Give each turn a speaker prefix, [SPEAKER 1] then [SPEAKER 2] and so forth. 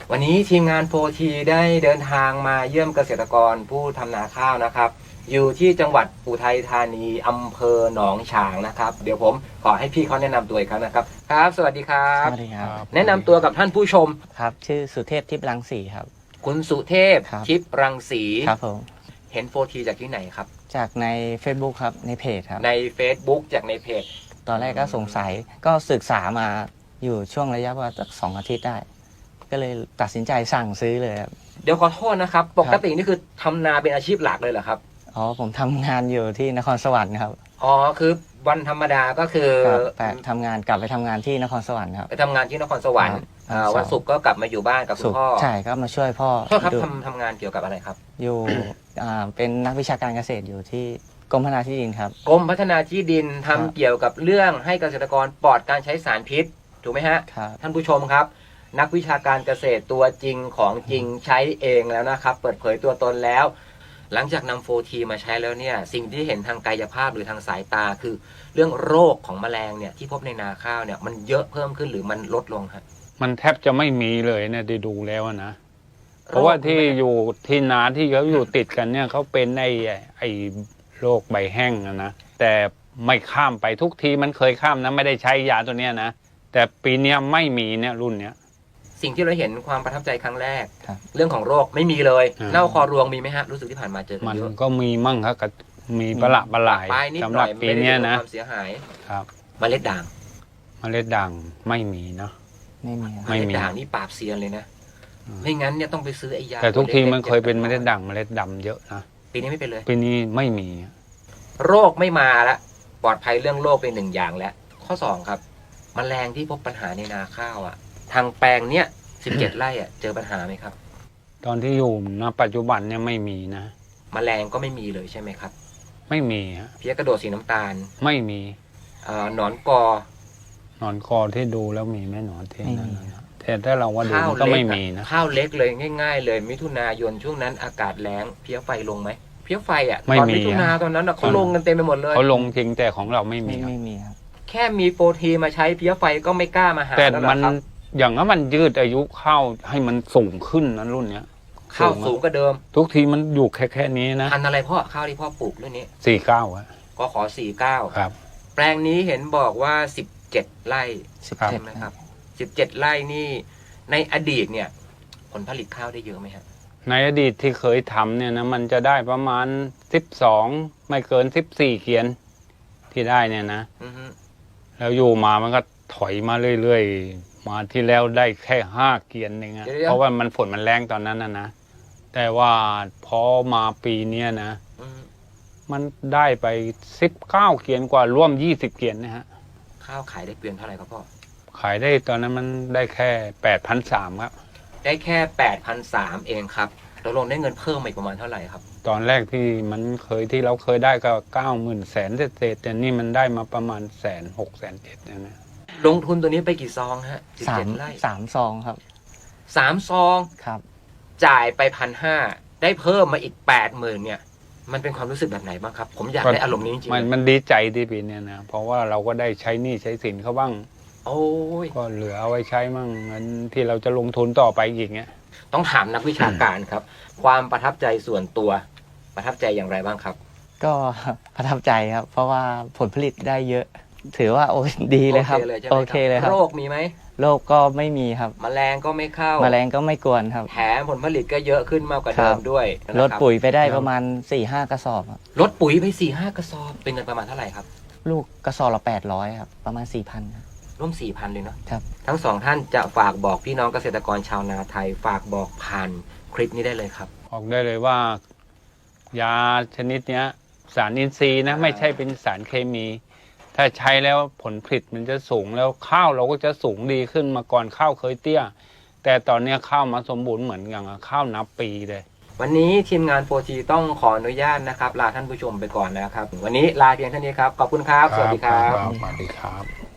[SPEAKER 1] วันนี้ทีมงานโฟทีได้เดินทางมาเยี่ยมเกษตรกรผู้ทำนาข้าวนะครับอยู่ที่จังหวัดอุทัยธานีอำเภอหนองฉางนะครับเดี๋ยวผมขอให้พี่เขาแนะนำตัวอีกครั้งนะครับครับสวัสดีครับ
[SPEAKER 2] สวัสดีครับ
[SPEAKER 1] แนะนำตัวกับท่านผู้ชม
[SPEAKER 2] ครับชื่อสุเทพทิพย์รังสีครับ
[SPEAKER 1] คุณสุเทพ
[SPEAKER 2] ครับ
[SPEAKER 1] ทิพย์รังสี
[SPEAKER 2] ครับผม
[SPEAKER 1] เห็นโฟทีจากที่ไหนครับ
[SPEAKER 2] จากใน Facebook ครับในเพจครับ
[SPEAKER 1] ใน Facebook จากในเพจ
[SPEAKER 2] ตอนแรกก็สงสัยก็ศึกษามาอยู่ช่วงระยะว่าสัก2 อาทิตย์ได้ ก็เลยตัดสินใจสั่งซื้อเลยครับ
[SPEAKER 1] เดี๋ยวขอโทษนะครับปกตินี่คือทำนาเป็นอาชีพหลักเลยเหรอครับ
[SPEAKER 2] อ๋อผมทำงานอยู่ที่นครสวรรค์ครับ
[SPEAKER 1] อ๋อคือวันธรรมดาก็คือ
[SPEAKER 2] ครับแต่ทำงานกลับไปทำงานที่นครสวรรค์ครับ
[SPEAKER 1] ไปทำงานที่นครสวรรค์
[SPEAKER 2] ครับ
[SPEAKER 1] วันศุกร์ก็กลับมาอยู่บ้านกับคุ
[SPEAKER 2] สุ
[SPEAKER 1] ณ
[SPEAKER 2] ข
[SPEAKER 1] พ่อ
[SPEAKER 2] ใช่ก็มาช่วยพ่อ
[SPEAKER 1] โทษครับ
[SPEAKER 2] ดู
[SPEAKER 1] ทำงานเกี่ยวกับอะไรครับ
[SPEAKER 2] อยู่เป็นนักวิชาการเกษตรอยู่ที่กรมพัฒนาที่ดินครับ
[SPEAKER 1] กรมพัฒนาที่ดินทำ
[SPEAKER 2] ครับ
[SPEAKER 1] เกี่ยวกับเรื่องให้เกษตรกรปลอดการใช้สารพิษถูกไหมฮะ
[SPEAKER 2] ครับ
[SPEAKER 1] ท่านผู้ชมครับ นักวิชาการเกษตรตัวจริงของจริงใช้เองแล้วนะครับ เปิดเผยตัวตนแล้ว หลังจากนำโฟทีมาใช้แล้วเนี่ยสิ่งที่เห็นทางกายภาพหรือทางสายตาคือ เรื่องโรคของแมลงเนี่ยที่พบในนาข้าวเนี่ยมันเยอะเพิ่มขึ้นหรือมันลดลงฮะ
[SPEAKER 3] มันแทบจะไม่มีเลยเนี่ยได้ดูแล้วนะ เพราะว่าที่อยู่ที่นาที่เขาอยู่ติดกันเนี่ยเขาเป็นไอ้โรคใบแห้งนะแต่ไม่ข้ามไปทุกทีมันเคยข้ามนะไม่ได้ใช้ยาตัวเนี้ยนะแต่ปีเนี้ยไม่มีเนี่ยรุ่นเนี้ย
[SPEAKER 1] สิ่งที่เราเห็นความประทับใจครั้งแรก
[SPEAKER 2] ครับ
[SPEAKER 1] เรื่องของโรคไม่มีเลย
[SPEAKER 3] อ่า
[SPEAKER 1] เน่าคอรวงมีไหมฮะรู้สึกที่ผ่านมาเจอกัน
[SPEAKER 3] มัน
[SPEAKER 1] เยอะ
[SPEAKER 3] ก็มีมั่งครับก็มีประหลาดประหลาย
[SPEAKER 1] ปลายนิด
[SPEAKER 3] สำ
[SPEAKER 1] ห
[SPEAKER 3] ห
[SPEAKER 1] น่
[SPEAKER 3] รั
[SPEAKER 1] อบ ย
[SPEAKER 3] ปี
[SPEAKER 1] ไม่ได้
[SPEAKER 3] เนี้ย
[SPEAKER 1] เกิด
[SPEAKER 3] นะ
[SPEAKER 1] ความเสียหาย
[SPEAKER 3] ครับ
[SPEAKER 1] เมล็ดด่าง
[SPEAKER 3] เมล็ดด่างไม่มีเนาะ
[SPEAKER 2] ไม่มีครับ
[SPEAKER 1] เม
[SPEAKER 3] ไม่
[SPEAKER 1] ล็ด
[SPEAKER 3] มี
[SPEAKER 1] ด่างนี่ปราบเซียนเลยนะ
[SPEAKER 3] อืม
[SPEAKER 1] ไม่งั้นเนี่ยต้องไปซื้อไอ้ยา
[SPEAKER 3] แต่ทุกที
[SPEAKER 1] ล็ๆ
[SPEAKER 3] มันเคยเป็นเมล็ดด่างเมล็ดดำเยอะนะ
[SPEAKER 1] ปีนี้ไม่เป็นเลย
[SPEAKER 3] ปีนี้ไม่มี
[SPEAKER 1] โรคไม่มาละปลอดภัยเรื่องโรคเป็นหนึ่งอย่างแล้วข้อสองครับแมลงที่พบปัญหาในนาข้าวอ่ะ ทางแปลงเนี้ย17 ไร่อ่ะเจอปัญหาไหมครับ
[SPEAKER 3] ตอนที่อยู่ณปัจจุบันเนี่ยไม่มีนะ
[SPEAKER 1] แมลงก็ไม่มีเลยใช่ไหมครับ
[SPEAKER 3] ไม่มีฮะ
[SPEAKER 1] เพี้ยกระโดดสีน้ำตาล
[SPEAKER 3] ไม่มี
[SPEAKER 1] หนอนกอ
[SPEAKER 3] หนอนคอที่ดูแล้วมีไหมหนอนที่นั่น
[SPEAKER 2] ไม่มี
[SPEAKER 3] นะแต่ถ้าเราว่าดู
[SPEAKER 1] ข้าว
[SPEAKER 3] มันก็
[SPEAKER 1] เล็
[SPEAKER 3] ไม่
[SPEAKER 1] ก
[SPEAKER 3] มีนะ
[SPEAKER 1] ข้าวเล็กเลยง่าย ๆ เลยมิถุนายนช่วงนั้นอากาศแล้งเพี้ยไฟลงไหมเพี้ยไฟอ่ะ
[SPEAKER 3] ไม่
[SPEAKER 1] ตอน
[SPEAKER 3] มี
[SPEAKER 1] มิถุนา
[SPEAKER 3] อะ
[SPEAKER 1] ตอนนั้นอะเขาลงกันเต็มไปหมดเลย
[SPEAKER 3] เขาลงจริงแต่ของเราไม่มี
[SPEAKER 2] ไม่
[SPEAKER 3] ครับ
[SPEAKER 2] มีครับ
[SPEAKER 1] แค่มีโฟทีมาใช้เพี้ยไฟก็ไม่กล้ามาหา
[SPEAKER 3] แต่
[SPEAKER 1] แล้วเหร
[SPEAKER 3] มั
[SPEAKER 1] อน ครับ
[SPEAKER 3] อย่างนั้นมันยืดอายุข้าวให้มันสูงขึ้นนะรุ่นเนี้ย
[SPEAKER 1] ข้าวสูงกว่าเดิม
[SPEAKER 3] ทุกทีมันอยู่แค่นี้นะ
[SPEAKER 1] พันธุ์อะไรพ่อข้าวที่พ่อปลูกเรื่องนี้
[SPEAKER 3] 49อะ
[SPEAKER 1] ก็ขอ49
[SPEAKER 3] ครับ
[SPEAKER 1] แปลงนี้เห็นบอกว่า17 ไร่
[SPEAKER 3] ครับ
[SPEAKER 1] ใช่ไหมครับ17 ไร่นี่ในอดีตเนี่ยผลผลิตข้าวได้เยอะไหมฮะ
[SPEAKER 3] ในอดีตที่เคยทำเนี่ยนะมันจะได้ประมาณ12ไม่เกิน14เกียนที่ได้เนี่ยนะ
[SPEAKER 1] อือฮึ
[SPEAKER 3] แล้วอยู่มามันก็ถอยมาเรื่อยๆ มาที่แล้วได้แค่5เกียนเองอะเพราะว่ามันฝนมันแรงตอนนั้นนะแต่ว่าพอมาปีเนี้ยนะ
[SPEAKER 1] อือฮึ
[SPEAKER 3] มันได้ไป19เกียนกว่าร่วม20เกียนนะฮะ
[SPEAKER 1] ข้าวขายได้เกวียนเท่าไหร่ครับพ่อ
[SPEAKER 3] ขายได้ตอนนั้นมันได้แค่ 8,300 ครับ
[SPEAKER 1] ได้แค่8,300เองครับเราลงได้เงินเพิ่มมาอีกประมาณเท่าไหร่ครับ
[SPEAKER 3] ตอนแรกที่มันเคยที่เราเคยได้ก็90,000แสนเศษๆแต่นี่มันได้มาประมาณ106,000 107,000นะ
[SPEAKER 1] ลงทุนตัวนี้ไปกี่ซองฮะ
[SPEAKER 2] สาม
[SPEAKER 1] 17 ไร่
[SPEAKER 2] ซองครับ
[SPEAKER 1] 3 ซอง
[SPEAKER 2] ครับ
[SPEAKER 1] จ่ายไป1,500ได้เพิ่มมาอีก 80,000เนี่ยมันเป็นความรู้สึกแบบไหนบ้างครับ ผมอยากได้อารมณ์นี้จริงๆ
[SPEAKER 3] มันดีใจที่ปีเนี้ยนะเพราะว่าเราก็ได้ใช้หนี้ใช้สินเขาบ้าง
[SPEAKER 1] โอ้ย
[SPEAKER 3] ก็เหลือเอาไว้ใช้มั่งเงินที่เราจะลงทุนต่อไปอีกเงี้ย
[SPEAKER 1] ต้องถามนักวิชาการครับ ความประทับใจส่วนตัวประทับใจอย่างไรบ้างครับ
[SPEAKER 2] ก็ ประทับใจครับ เพราะว่าผลผลิตได้เยอะ ถือว่าโอ้ยดีเลยครับ
[SPEAKER 1] โอเคเลยใช่ไหม
[SPEAKER 2] เลยครับ
[SPEAKER 1] โรคมีไหม
[SPEAKER 2] โรคก็ไม่มีครับ
[SPEAKER 1] แมลงก็ไม่เข้า
[SPEAKER 2] แมลงก็ไม่กวนครับ
[SPEAKER 1] แถมผลผลิตก็เยอะขึ้นมากกว่าเดิ
[SPEAKER 2] ครั
[SPEAKER 1] ม
[SPEAKER 2] บ
[SPEAKER 1] ด้วย
[SPEAKER 2] ลด
[SPEAKER 1] นะครับ
[SPEAKER 2] ปุ๋ยไปได้ประมาณ 4-5 กระสอบครับ
[SPEAKER 1] ลดปุ๋ยไป4-5 กระสอบเป็นเงินประมาณเท่าไหร่ครับ
[SPEAKER 2] ลูกกระสอบละ800ครับประมาณ 4,000ครับ
[SPEAKER 1] ร่วม 4,000 เลยเนาะ
[SPEAKER 2] ครับ
[SPEAKER 1] ทั้งสองท่านจะฝากบอกพี่น้องเกษตรกรชาวนาไทย ฝากบอกผ่านคลิปนี้ได้เลยครับ
[SPEAKER 3] บอกได้เลยว่า ยาชนิดเนี้ย สารอินทรีย์นะไม่ใช่เป็นสารเคมี ถ้าใช้แล้วผลผลิตมันจะสูงแล้วข้าวเราก็จะสูงดีขึ้นมาก่อนข้าวเคยเตี้ย แต่ตอนเนี้ยข้าวมาสมบูรณ์เหมือนอย่างข้าวนับปีเลย
[SPEAKER 1] วันนี้ทีมงานโฟทีต้องขออนุญาตนะครับลาท่านผู้ชมไปก่อนนะครับ วันนี้ลาเพียงเท่านี้ครับขอบคุณครับสวัสดีครับ
[SPEAKER 3] สวัสดีครับ